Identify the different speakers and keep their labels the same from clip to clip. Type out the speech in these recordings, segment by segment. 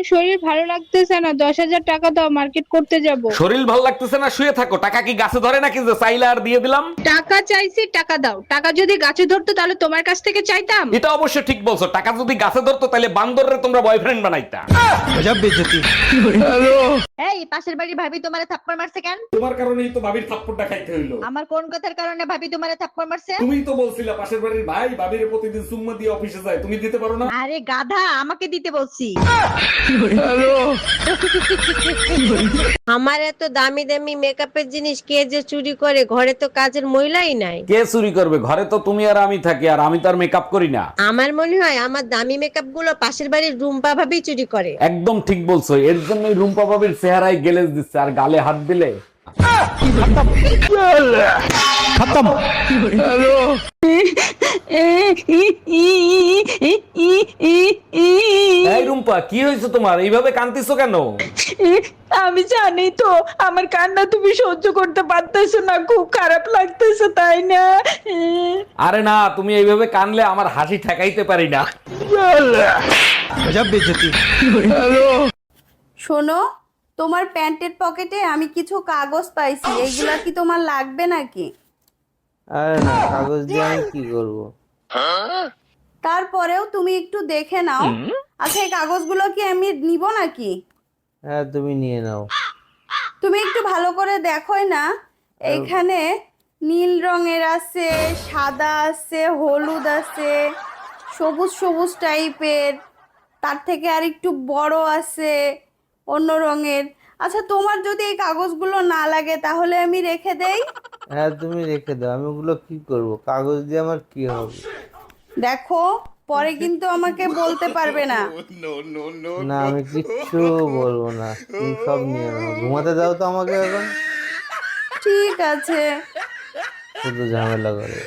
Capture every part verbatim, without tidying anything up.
Speaker 1: শরীর ভালো লাগতেছে না, দশ হাজার টাকা দাও, মার্কেট করতে যাব।
Speaker 2: শরীর ভালো লাগতেছে না, শুয়ে থাকো। টাকা কি গাছে ধরে নাকি যে চাইলে আর দিয়ে দিলাম?
Speaker 1: টাকা চাইছি, টাকা দাও। টাকা যদি গাছে ধরতো তাহলে তোমার কাছ থেকে চাইতাম।
Speaker 2: এটা অবশ্য ঠিক বলছো, টাকা যদি গাছে ধরতো তাহলে বান্দররে তোমরা বয়ফ্রেন্ড বানাইতা।
Speaker 3: এই পাশের বাড়ির ভাবি তোমারে থাপ্পড় মারছে কেন?
Speaker 2: তোমার কারণেই তো ভাবির থাপ্পড়টা খাইতে হইলো।
Speaker 3: আমার কোন কথার কারণে ভাবি তোমারে থাপ্পড় মারছে?
Speaker 2: তুমিই তো বলছিলা পাশের বাড়ির ভাই ভাবির প্রতিদিন সুম্মা দিয়ে অফিসে যায়, তুমি দিতে পারো না?
Speaker 3: আরে গাধা, আমাকে দিতে বলছি।
Speaker 4: আমার এত দামি দামি মেকআপের জিনিস কে যে চুরি করে, ঘরে তো কাজের মহিলাই নাই।
Speaker 2: কে চুরি করবে? ঘরে তো তুমি আর আমি থাকি, আর আমি তো আর মেকআপ করি না।
Speaker 4: আমার মনে হয় আমার দামি মেকআপ গুলো পাশের বাড়ির রুম্পা ভাবি চুরি করে।
Speaker 2: একদম ঠিক বলছো, এর জন্যই রুম্পা ভাবির চেহারায় গেলেজ দিচ্ছে, আর গালে হাত দিলে এই রুম্পা, কি হয়েছে তোমার? এইভাবে কাঁদতেছো কেন?
Speaker 1: আমি জানি তো আমার কান্না তুমি সহ্য করতে পারতেছো না, খুব খারাপ লাগতেছে, তাই না?
Speaker 2: আরে না, তুমি এইভাবে কানলে আমার হাসি ঠেকাইতে পারি না।
Speaker 5: শোনো, তোমার প্যান্টের পকেটে আমি কিছু কাগজ পাইছি, এইগুলা কি তোমার লাগবে নাকি?
Speaker 6: আরে না, কাগজ দিয়ে আমি কি করব?
Speaker 5: তারপরেও তুমি একটু দেখে নাও। আচ্ছা, এই কাগজগুলো কি আমি নিব নাকি?
Speaker 6: হ্যাঁ, তুমি নিয়ে নাও।
Speaker 5: তুমি একটু ভালো করে দেখোই না, এইখানে নীল রঙের আছে, সাদা আছে, হলুদ আছে, সবুজ সবুজ টাইপের, তার থেকে আর একটু বড় আছে অন্য রঙের। আচ্ছা, তোমার যদি এই কাগজগুলো না লাগে তাহলে আমি রেখে দেই।
Speaker 6: হ্যাঁ, তুমি রেখে দাও। আমি ওগুলো কি করব? কাগজ দিয়ে আমার কি হবে?
Speaker 5: দেখো, পরে কিন্তু আমাকে বলতে পারবে না।
Speaker 6: না, আমি কিচ্ছু বলবো না। তুমি সব নিয়ে নাও। ঘুমাতে দাও তো আমাকে এখন।
Speaker 5: ঠিক আছে।
Speaker 6: শুধু ঝামেলা করে।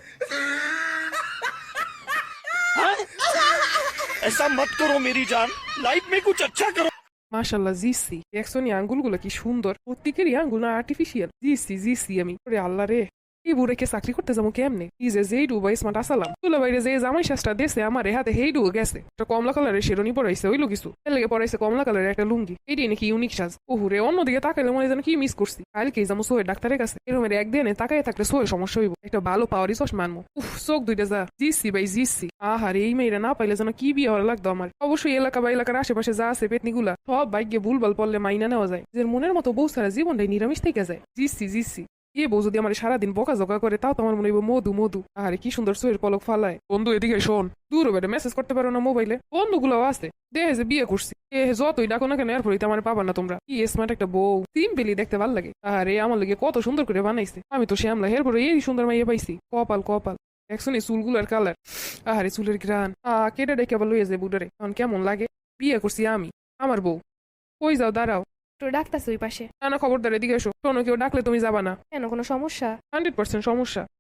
Speaker 7: ऐसा मत करो मेरी जान, लाइफ में कुछ अच्छा करो।
Speaker 8: মাশাল্লাহ জিসি, দেখছো নি আঙ্গুলগুলো কি সুন্দর, প্রত্যেকেরই আঙ্গুল না আর্টিফিশিয়াল। জিসি জিসি আমি ওরে আল্লাহ রে, এই বুড়াকে চাকরি করতে যাবো কেমনে? এই যে যেই ডুবা স্মার্ট আসালাম তুলে বাইরে যে জামাই শাসটা দেশে আমার হাতে হেই ডুবে গেছে। একটা কমলা কালারের শেরনি পরাইছে, ওইলো কিছু এর লেগে পরাইছে কমলা কালারের একটা লুঙ্গি। এটাই নাকি ইউনিক সাজ। ওহুরে, অন্যদিকে তাকাইলে মনে যেন কি মিস করছি। কালকে যাবো সোহের ডাক্তারের কাছে, এরমের একদিনে তাকাই থাকলে সোহের সমস্যা হইব। একটা ভালো পাওয়ারই চশমা আনবো। উফ, চোখ দুইটা যা। জিসি ভাই জিসি। আহার, এই মেয়েরা না পাইলে যেন কি বিয়ে হওয়ার লাগতো আমার। অবশ্যই এলাকা বা এলাকার আশেপাশে যা আছে পেতনিগুলা সব ভাগ্যে ভুলভাল পড়লে মাইনা নেওয়া যায়, যে মনের মতো বউ সারা জীবনটাই নিরামিষ থেকে যায়। GC GC. এ বউ যদি আমার সারাদিন বকা জকা করে তাও তো আমার মনে হইব মধু মধু। আরে কি সুন্দর সোয়ের পলক ফালায়। বন্ধু এদিকে শোন, দূর বেড়ে মেসেজ করতে পারো না মোবাইলে? বন্ধুগুলো আছে, দেহে যে বিয়ে করছি, এ যতই ডাকো না কেন এরপরে আমার পাবা না তোমরা। কি স্মার্ট একটা বউ, সিম্পলি দেখতে ভাল লাগে। আরে আমার লাগে কত সুন্দর করে বানাইছে। আমি তো শ্যামলা, এরপরে এই সুন্দর মাইয়া পাইছি। কপাল কপাল। দেখছো নি চুলগুলার কালার, আহারে চুলের গ্রান। আহ কেটে ডেকে আবার লইয়া যায় বুডারে। এখন কেমন লাগে? বিয়ে করছি আমি, আমার বউ। কই যাও, দাঁড়াও।
Speaker 9: তো ডাক্তারছে ওই পাশে।
Speaker 8: না না, খবরদার এদিকে এসো। শোনো, কেউ ডাকলে তুমি যাবা না।
Speaker 9: কেন, কোনো সমস্যা?
Speaker 8: হান্ড্রেড পার্সেন্ট সমস্যা।